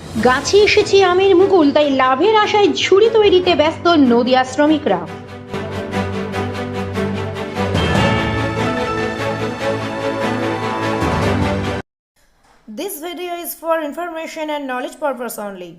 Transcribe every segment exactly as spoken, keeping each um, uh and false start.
গাছে এসেছে আমের মুকুল, তাই লাভের আশায় ঝুড়ি তৈরিতে ব্যস্ত নদিয়া শ্রমিকরা। This video is for information and knowledge purpose only.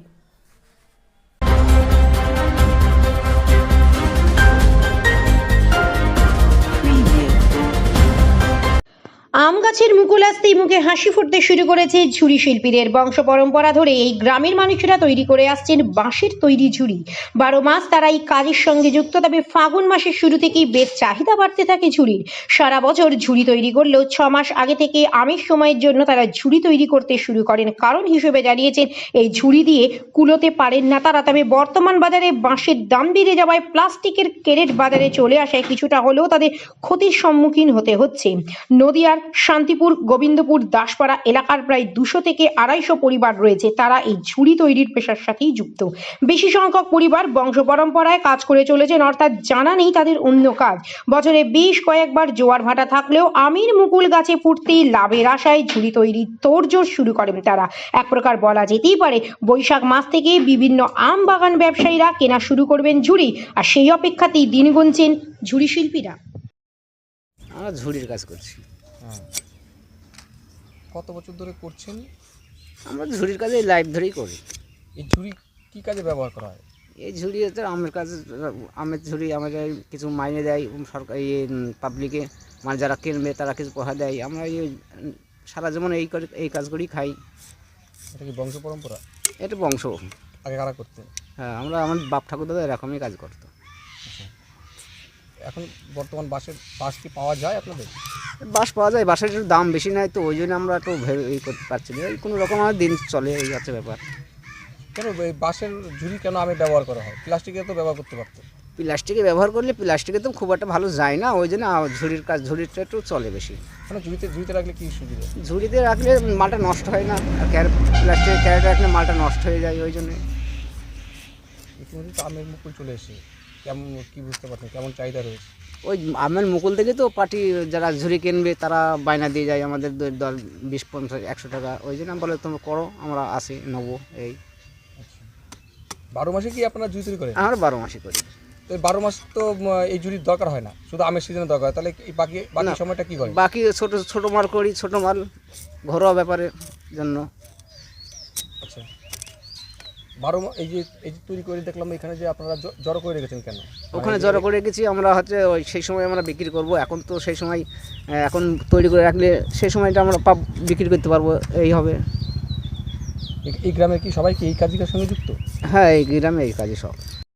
আম গাছের মুকুল আসতেই মুখে হাসি ফুটতে শুরু করেছে ঝুড়ি শিল্পীদের। বংশ পরম্পরা ধরে এই গ্রামের মানুষেরা তৈরি করে আসছেন বাঁশের তৈরি ঝুড়ি। বারো মাস তারা এই কাজের সঙ্গে যুক্ত, তবে ফাগুন মাসের শুরু থেকেই বেশ চাহিদা বাড়তে থাকে ঝুড়ির। সারা বছর ঝুড়ি তৈরি করলেও ছ মাস আগে থেকে আমের সময়ের জন্য তারা ঝুড়ি তৈরি করতে শুরু করেন। কারণ হিসেবে জানিয়েছেন এই ঝুড়ি দিয়ে কুলোতে পারেন না তারা। তবে বর্তমান বাজারে বাঁশের দাম বেড়ে যাওয়ায় প্লাস্টিকের ক্যারেট বাজারে চলে আসায় কিছুটা হলেও তাদের ক্ষতির সম্মুখীন হতে হচ্ছে। নদিয়ার শান্তিপুর, গোবিন্দপুর, দাসপাড়া এলাকার প্রায় দুশো থেকে আড়াইশো পরিবার রয়েছে, তারা এই ঝুড়ি তৈরির পেশার সাথেই যুক্ত। বেশি সংখ্যক পরিবার বংশ পরম্পরায় কাজ করে চলেছেন, অর্থাৎ জানা নেই তাদের অন্য কাজ। বছরে বেশ কয়েকবার জোয়ার ভাটা থাকলেও আমের মুকুল গাছে ফুটতেই লাভের আশায় ঝুড়ি তৈরির তোড়জোড় শুরু করেন তারা। এক প্রকার বলা যেতেই পারে বৈশাখ মাস থেকে বিভিন্ন আম বাগান ব্যবসায়ীরা কেনা শুরু করবেন ঝুড়ি, আর সেই অপেক্ষাতেই দিন গুনছেন ঝুড়ি শিল্পীরা। আমরা ঝুড়ির কাজ করছি। হ্যাঁ, কত বছর ধরে করছেন? আমরা ঝুড়ির কাজে লাইফ ধরেই করি। এই ঝুড়ি কি কাজে ব্যবহার করা হয়? এই ঝুড়ি হচ্ছে আমের কাজ, আমের ঝুড়ি আমাদের কিছু মাইনে দেয় সরকার, ইয়ে পাবলিকে, মানে যারা কিনবে তারা কিছু পয়সা দেয়। আমরা এই সারা জীবন এই করে এই কাজ করেই খাই। এটা কি বংশ পরম্পরা? এটা বংশ। আগে কারা করতেন? হ্যাঁ, আমরা আমার বাপ ঠাকুর দাদা এরকমই কাজ করতো। এখন বর্তমান বাঁশের বাঁশ কি পাওয়া যায় আপনাদের? বাঁশ পাওয়া যায়, বাঁশের একটু দাম বেশি নেয়, তো ওই জন্য আমরা একটু ভেবে এই করতে পারছি না। এই কোনো রকম আমার দিন চলে, এই হচ্ছে ব্যাপার। কেন এই বাঁশের ঝুড়ি কেন আমি ব্যবহার করা হয়? প্লাস্টিকের তো ব্যবহার করতে পারতো। প্লাস্টিকে ব্যবহার করলে প্লাস্টিকে তো খুব একটা ভালো যায় না, ওই জন্য ঝুড়ির কাজ, ঝুড়িটা একটু চলে বেশি। মানে ঝুড়িতে ঝুড়িতে রাখলে কি সুবিধা? ঝুড়িতে রাখলে মালটা নষ্ট হয় না, আর ক্যারেট প্লাস্টিকের ক্যারেট রাখলে মালটা নষ্ট হয়ে যায়, ওই জন্যে। ইতিমধ্যে তো আমের মুকুল চলে এসে কেমন কি বুঝতে পারছেন কেমন চাহিদা রয়েছে? ওই আমের মুকুল থেকে তো পার্টি যারা ঝুড়ি কিনবে তারা বায়না দিয়ে যায় আমাদের দশ বিশ পঞ্চাশ একশো টাকা, ওই জন্য বলে তোমরা করো, আমরা আসি নেবো। এই আচ্ছা, বারো মাসে কি আপনারা ঝুড়ি তৈরি করেন? আমরা বারো মাসে করি। তো বারো মাস তো এই ঝুড়ির দরকার হয় না, শুধু আমের সিজনে দরকার হয়, তাহলে এই বাকি বাকি সময়টা কি করেন? বাকি ছোটো ছোটো মাল করি, ছোটো মাল ঘরোয়া ব্যাপারের জন্য। আচ্ছা, বারো এই যে এই যে তৈরি করে দেখলাম এখানে যে আপনারা জড়ো করে রেখেছেন কেন? ওখানে জড়ো করে রেখেছি আমরা, হচ্ছে ওই সেই সময় আমরা বিক্রি করব। এখন তো সেই সময় এখন তৈরি করে রাখলে সেই সময়টা আমরা পাব বিক্রি করতে পারবো, এই হবে। এই গ্রামের কি সবাই কি এই কাজের সঙ্গে যুক্ত? হ্যাঁ, এই গ্রামে এই কাজে সব।